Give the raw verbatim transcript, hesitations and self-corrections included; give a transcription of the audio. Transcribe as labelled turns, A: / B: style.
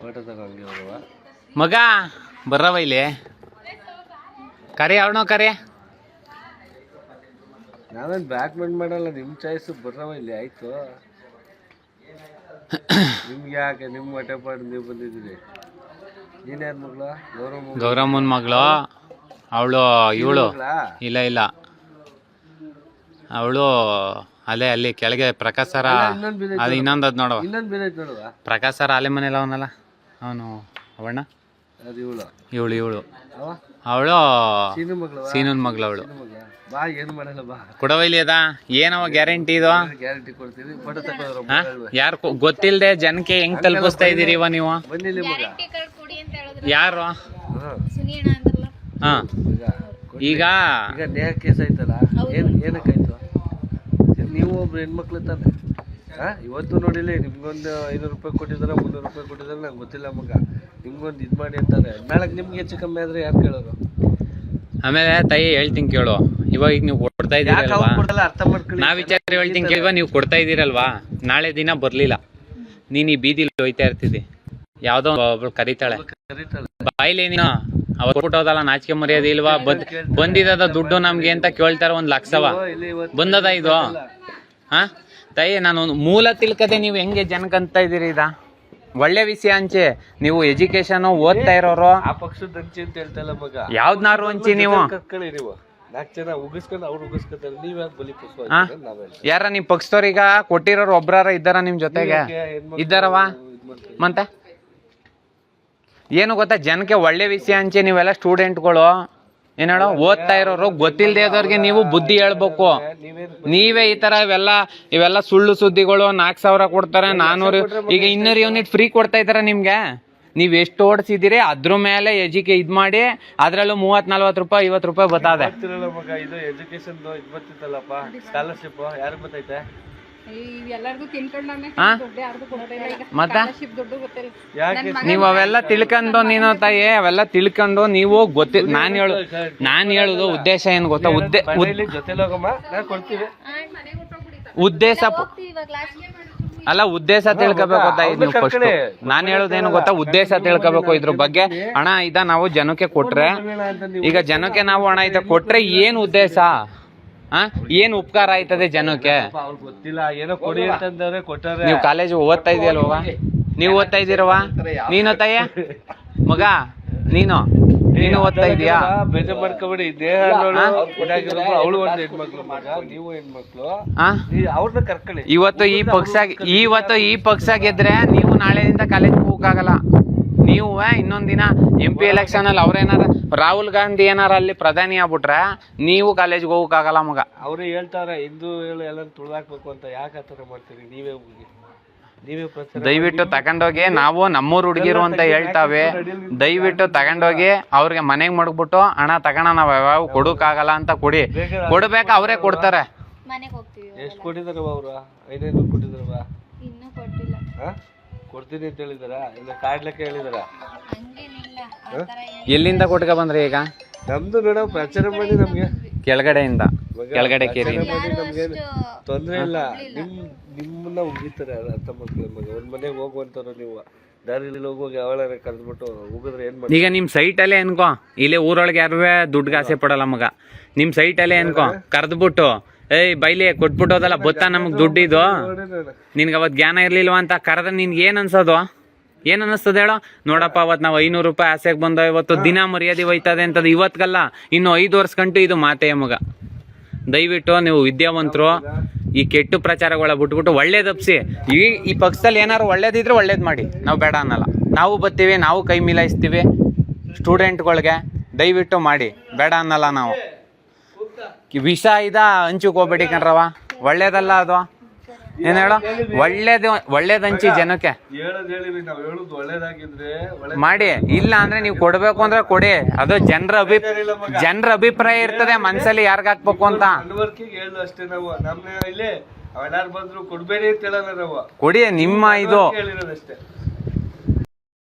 A: ಮಗ ಬರ್ರವ ಇಲ್ಲಿ ಕರೆ ಅವನೋ ಕರೆ
B: ನಾವೇನು ಬ್ಯಾಟ್ಮೆಂಟ್ ಮಾಡಲ್ಲ ನಿಮ್ಮ ಚಾಯ್ಸು ಬರ್ರವ ಇಲ್ಲಿ ಆಯ್ತು ನಿಮ್ಗೆ ಯಾಕೆ ನಿಮ್ಮ ಹೊಟ್ಟೆ ಪಾಡು ನೀವು ಬಂದಿದ್ದೀರಿ ನೀನ್ಯಾರ ಮಗಳು ಗೌರಮ್ಮ
A: ಗೌರಮ್ಮನ ಮಗಳು ಅವಳು ಇವಳು ಇಲ್ಲ ಇಲ್ಲ ಅವಳು ಅಲ್ಲೇ ಅಲ್ಲಿ ಕೆಳಗೆ ಪ್ರಕಾಶ್ ಸರ ಅದು ಇನ್ನೊಂದು ಅದು ನೋಡುವ
B: ಇನ್ನೊಂದು ಬಿದ್ದೈತೆ ನೋಡುವ
A: ಪ್ರಕಾಶ್ ಸರ ಅಲ್ಲೇ ಮನೇಲಿ ಅವನಲ್ಲ ಅವನು ಅವಣ್ಣ
B: ಅದು ಇವಳು
A: ಇವಳು ಇವಳು
B: ಅವ
A: ಅವಳು
B: ಸೀನು ಮಗಳು
A: ಸೀನನ್ ಮಗಳು ಅವಳು
B: ಬಾ ಏನು ಮಾಡಲ್ಲ ಬಾ
A: ಕೊಡವೈಲಿ ಅದ ಏನವ ಗ್ಯಾರಂಟಿ ಇದು
B: ಗ್ಯಾರಂಟಿ ಕೊಡ್ತೀವಿ ಫೋಟೋ ತಗೋದ್ರ
A: ಯಾರು ಗೊತ್ತಿಲ್ಲದೆ ಜನಕ್ಕೆ ಹೆಂಗ್ ತಲುಪಿಸ್ತಾ ಇದೀರಿ ಇವ ನೀವು
B: ಬಂದಿಲ್ಲ ಮಗ
A: ಯಾರು ಹಾ ಈಗ
B: ಈಗ ನೇಹ ಕೇಸ್ ಆಯ್ತಲ್ಲ ಏನ್ ಏನಕ್ಕಾಯ್ತು ನೀವು ಒಬ್ರು ಹೆಣ್ಮಕ್ಳು ತಾನೆ ಹಾ ಇವತ್ತು ನೋಡಿಲ್ಲ ನಿಮ್ಗೊಂದು ಐನೂರು ರೂಪಾಯಿ ಕೊಟ್ಟಿದಾರ ಮುನ್ನೂರು ರೂಪಾಯಿ ಕೊಟ್ಟಿದಾರೆ ನಂಗೆ ಗೊತ್ತಿಲ್ಲ ಮಗ ನಿಮ್ಗೊಂದು ಇದು ಮಾಡಿ ಅಂತಾರೆ ನಾಳೆ ನಿಮ್ಗೆ ಹೆಚ್ಚು ಕಮ್ಮಿ ಆದ್ರೆ ಯಾರು ಕೇಳೋರು
A: ಆಮೇಲೆ ತಾಯಿ ಹೇಳ್ತೀನಿ ಕೇಳು ಇವಾಗ ಈಗ ನೀವು ಕೊಡ್ತಾ ಇದೀರಲ್ವಾ
B: ಅರ್ಥ ಮಾಡ್ಕೊಳ್ಳಿ
A: ನಾ ವಿಚಾರ ಹೇಳ್ತೀನಿ ಕೇಳುವ ನೀವು ಕೊಡ್ತಾ ಇದೀರಲ್ವಾ ನಾಳೆ ದಿನ ಬರ್ಲಿಲ್ಲ ನೀನ್ ಈ ಬೀದಿಲಿ ಹೋಯ್ತಾ ಇರ್ತಿದ್ದಿ ಯಾವ್ದೋ ಒಬ್ಳು ಕರೀತಾಳೆ ಬಾಯ್ಲಿ ನೀನು ಅವ್ರು ಕೊಟ್ಟೋದಲ್ಲ ನಾಚಿಕೆ ಮರ್ಯಾದೆ ಇಲ್ವಾ ಬಂದ್ ಬಂದಿದ ದುಡ್ಡು ನಮ್ಗೆ ಅಂತ ಕೇಳ್ತಾರ ಒಂದ್ ಲಕ್ಷವ ಬಂದದ ಇದು ಹಾ ತಾಯಿ ನಾನು ಮೂಲ ತಿಳ್ಕದೆ ನೀವು ಹೆಂಗೆ ಜನಕ್ಕಂತ ಇದೀರಿ ಇದ ಒಳ್ಳೆ ವಿಷಯ ಹಂಚಿ ನೀವು ಎಜುಕೇಶನ್ ಓದ್ತಾ ಇರೋರು
B: ಆ ಪಕ್ಷದ ಹಂಚಿ ಅಂತ ಹೇಳ್ತಲ್ಲ ಮಗ
A: ಯಾವ್ದನಾರು ಹಂಚಿ ನೀವು
B: ಕರ್ಕೊಳ್ಳಿ ನೀವು ನಾಲ್ಕು ಜನ ಉಗಿಸ್ಕೊಂಡು ಅವ್ರು ಉಗಿಸ್ಕೊತಾರೆ ನೀವ್ ಯಾಕೆ ಬಲಿ ಪುಷ್ಪ
A: ಯಾರ ನಿಮ್ ಪಕ್ಷದವ್ರೀಗ ಕೊಟ್ಟಿರೋರು ಒಬ್ರಾರ ಇದ್ದಾರ ನಿಮ್ ಜೊತೆಗೆ ಇದ್ದಾರವ ಮತ್ತೆ ಏನು ಗೊತ್ತಾ ಜನಕ್ಕೆ ಒಳ್ಳೆ ವಿಷಯ ಹಂಚಿ ನೀವೆಲ್ಲ ಸ್ಟೂಡೆಂಟ್ಗಳು ಏನ್ ಹೇಳೋ ಓದ್ತಾ ಇರೋರು ಗೊತ್ತಿಲ್ದೇ ಇದ್ದವ್ರಿಗೆ ನೀವು ಬುದ್ಧಿ ಹೇಳ್ಬೇಕು ನೀವೇ ಈ ತರ ಇವೆಲ್ಲ ಇವೆಲ್ಲ ಸುಳ್ಳು ಸುದ್ದಿಗಳು ನಾಲ್ಕು ಸಾವಿರ ಕೊಡ್ತಾರೆ ನಾನೂರು ಈಗ ಇನ್ನೂರು ಯೂನಿಟ್ ಫ್ರೀ ಕೊಡ್ತಾ ಇದಾರೆ ನಿಮ್ಗೆ ನೀವ್ ಎಷ್ಟು ಓಡಿಸಿದಿರಿ ಅದ್ರ ಮೇಲೆ ಎಜುಕೆ ಇದ್ ಮಾಡಿ ಅದ್ರಲ್ಲೂ ಮೂವತ್ ನಲ್ವತ್ ರೂಪಾಯಿ ಐವತ್ ರೂಪಾಯಿ ಬರ್ತದೆ
B: ಮಗ ಇದು ಎಜುಕೇಶನ್ ಇದು ಬರ್ತಿತ್ತಲ್ಲಪ್ಪ ಸ್ಕಾಲರ್ಶಿಪ್ ಯಾರು ಗೊತ್ತೈತೆ
A: ಮತ್ತ ನೀವ್ ಅವೆಲ್ಲ ತಿಳ್ಕೊಂಡು ನೀನು ತಾಯಿ ಅವೆಲ್ಲ ತಿಳ್ಕೊಂಡು ನೀವು ಗೊತ್ತಿ ನಾನ್ ಹೇಳು ನಾನ್ ಹೇಳುದು ಉದ್ದೇಶ ಏನ್ ಗೊತ್ತಾ ಉದ್ದೇ ಉದ್ದೇಶ ಅಲ್ಲ ಉದ್ದೇಶ ತಿಳ್ಕೋಬೇಕು ತಾಯಿ ನೀವು ಫಸ್ಟ್ ನಾನ್ ಹೇಳುದೇನು ಗೊತ್ತಾ ಉದ್ದೇಶ ತಿಳ್ಕೋಬೇಕು ಇದ್ರ ಬಗ್ಗೆ ಹಣ ಇದ ನಾವು ಜನಕ್ಕೆ ಕೊಟ್ರೆ ಈಗ ಜನಕ್ಕೆ ನಾವು ಹಣ ಇದ ಕೊಟ್ರೆ ಏನ್ ಉದ್ದೇಶ ಹ ಏನ್ ಉಪಕಾರ ಆಯ್ತದೆ ಜನಕ್ಕೆ
B: ಗೊತ್ತಿಲ್ಲ ಏನೋ ಕೊಡಿ ಅಂತಂದ್ರೆ ಕೊಟ್ಟಾರೆ
A: ನೀವು ಕಾಲೇಜ್ ಓದ್ತಾ ಇದೆಯಲ್ವ ನೀವು ಓದ್ತಾ ಇದ್ದೀರವಾ ನೀನು ತಾಯ ಮಗ ನೀನು ನೀನು ಓದ್ತಾ ಇದೀಯಾ
B: ಬೇಜಾರ್ ಮಾಡ್ಕೋಬೇಡಿ ದೇಹ ಅವಳು ಒಂದು ಹೆಣ್ಮಕ್ಳು ಮಗ ನೀವು ಹೆಣ್ಮಕ್ಳು ಅವ್ರನ್ನ ಕರ್ಕೊಳ್ಳಿ
A: ಇವತ್ತು ಈ ಪಕ್ಷ ಇವತ್ತು ಈ ಪಕ್ಷ ಗೆದ್ರೆ ನೀವು ನಾಳೆಯಿಂದ ಕಾಲೇಜ್ ಹೋಗಕ್ಕಾಗಲ್ಲ ನೀವು ಇನ್ನೊಂದ್ ದಿನ ಎಂ ಪಿ ಎಲೆಕ್ಷನ್ ಅಲ್ಲಿ ಅವ್ರೇನಾರ ರಾಹುಲ್ ಗಾಂಧಿ ಏನಾರ ಅಲ್ಲಿ ಪ್ರಧಾನಿ ಆಗ್ಬಿಟ್ರೆ ನೀವು ಕಾಲೇಜ್ಗೆ ಹೋಗಕ್ಕಾಗಲ್ಲ ಮಗ
B: ಅವ್ರು ಹೇಳ್ತಾರೆ ಹಿಂದೂ ಎಲ್ಲ ತುಳಿದಾಕ್ಬೇಕು ಅಂತ ಯಾಕೆ ಆತರ ಮಾಡ್ತೀರಿ ನೀವೇ ಹೋಗಿ ನೀವೇ
A: ದಯವಿಟ್ಟು ತಗೊಂಡೋಗಿ ನಾವು ನಮ್ಮೂರ್ ಹುಡುಗಿರು ಅಂತ ಹೇಳ್ತಾವೆ ದಯವಿಟ್ಟು ತಗೊಂಡೋಗಿ ಅವ್ರಿಗೆ ಮನೆಗ್ ಮಡಗ್ಬಿಟ್ಟು ಹಣ ತಗೋಣ ನಾವ್ ಯಾವ ಕೊಡಕ್ಕಾಗಲ್ಲ ಅಂತ ಕೊಡಿ ಕೊಡ್ಬೇಕ ಅವರೇ ಕೊಡ್ತಾರೆ
B: ಎಷ್ಟು ಕೊಟ್ಟಿದಾರ ಅವ್ರು ಐದೈನೂರು ಕೊಟ್ಟಿದಾರವಾ ಕೊಡ್ತೀನಿ ಅಂತ ಹೇಳಿದಾರ ಇಲ್ಲ ಕಾಡ್ಲಿಕ್ಕೆ ಹೇಳಿದಾರ
A: ಎಲ್ಲಿಂದ ಕೊಟ್ಕ ಬಂದ್ರಿ ಈಗ
B: ನಮ್ದು ನೋಡ ಪ್ರಚಾರ ಮಾಡಿ ನಮ್ಗೆ
A: ಕೆಳಗಡೆಯಿಂದ ಕೆಳಗಡೆ ಕೇರಿ
B: ನಮ್ಗೆ ತೊಂದ್ರೆ ಇಲ್ಲ ನಿಮ್ ನಿಮ್ಮನ್ನ ಉಗಿತಾರೆ ಅರ್ಥ ಮಾಡ್ಕೊಳ್ಳಿ ಮಗ ಒಂದ್ ಮನೆಗೆ ಹೋಗುವಂತಾರ ನೀವು ದಾರಿಲಿ ಹೋಗುವಾಗ ಅವಳ ಕರೆದ್ಬಿಟ್ಟು ಹೋಗಿದ್ರೆ ಏನ್ ಮಾಡಿ
A: ಈಗ ನಿಮ್ ಸೈಟ್ ಅಲ್ಲೇ ಅನ್ಕೋ ಇಲ್ಲಿ ಊರೊಳಗೆ ಯಾರುವೆ ದುಡ್ಡು ಆಸೆ ಪಡಲ್ಲ ಮಗ ನಿಮ್ ಸೈಟ್ ಅಲ್ಲೇ ಅನ್ಕೋ ಕರೆದ್ಬಿಟ್ಟು ಏಯ್ ಬೈಲಿ ಕೊಟ್ಬಿಟ್ಟೋದಲ್ಲ ಗೊತ್ತಾ ನಮಗ್ ದುಡ್ಡಿದು ನಿನ್ಗೆ ಅವತ್ ಜ್ಞಾನ ಇರ್ಲಿಲ್ವಾ ಅಂತ ಕರೆದ ನಿನ್ಗೆ ಏನ್ ಅನ್ಸೋದು ಏನ್ ಅನಿಸ್ತದ ಹೇಳೋ ನೋಡಪ್ಪ ಅವತ್ ನಾವ್ ಐನೂರು ರೂಪಾಯಿ ಆಸೆಗೆ ಬಂದೋ ಇವತ್ತು ದಿನ ಮರ್ಯಾದೆ ಹೋಯ್ತದೆ ಅಂತದ್ ಇವತ್ಗಲ್ಲ ಇನ್ನು ಐದು ವರ್ಷ ಗಂಟು ಇದು ಮಾತೆಯ ಮಗ ದಯವಿಟ್ಟು ನೀವು ವಿದ್ಯಾವಂತರು ಈ ಕೆಟ್ಟು ಪ್ರಚಾರಗಳ ಬಿಟ್ಬಿಟ್ಟು ಒಳ್ಳೇದಪ್ಸಿ ಈ ಈ ಪಕ್ಷದಲ್ಲಿ ಏನಾದ್ರು ಒಳ್ಳೇದಿದ್ರೆ ಒಳ್ಳೇದ್ ಮಾಡಿ ನಾವು ಬೇಡ ಅನ್ನಲ್ಲ ನಾವು ಬರ್ತೀವಿ ನಾವು ಕೈ ಮಿಲಾಯಿಸ್ತೀವಿ ಸ್ಟೂಡೆಂಟ್ಗಳಿಗೆ ದಯವಿಟ್ಟು ಮಾಡಿ ಬೇಡ ಅನ್ನಲ್ಲ ನಾವು ವಿಷ ಇದ ಹಂಚಕ್ ಹೋಗ್ಬೇಡಿ ಕಣ್ರವ ಒಳ್ಳೇದಲ್ಲ ಅದು ಏನ್ ಹೇಳೋ ಒಳ್ಳೇದು ಒಳ್ಳೇದ್ ಹಂಚಿ ಜನಕ್ಕೆ ಮಾಡಿ ಇಲ್ಲ ಅಂದ್ರೆ ನೀವು ಕೊಡ್ಬೇಕು ಅಂದ್ರೆ ಕೊಡಿ ಅದು ಜನರ ಅಭಿ ಜನರ ಅಭಿಪ್ರಾಯ ಇರ್ತದೆ ಮನ್ಸಲ್ಲಿ ಯಾರ್ಗ ಹಾಕ್ಬೇಕು ಅಂತ
B: ಕೊಡಿ
A: ನಿಮ್ಮ ಇದು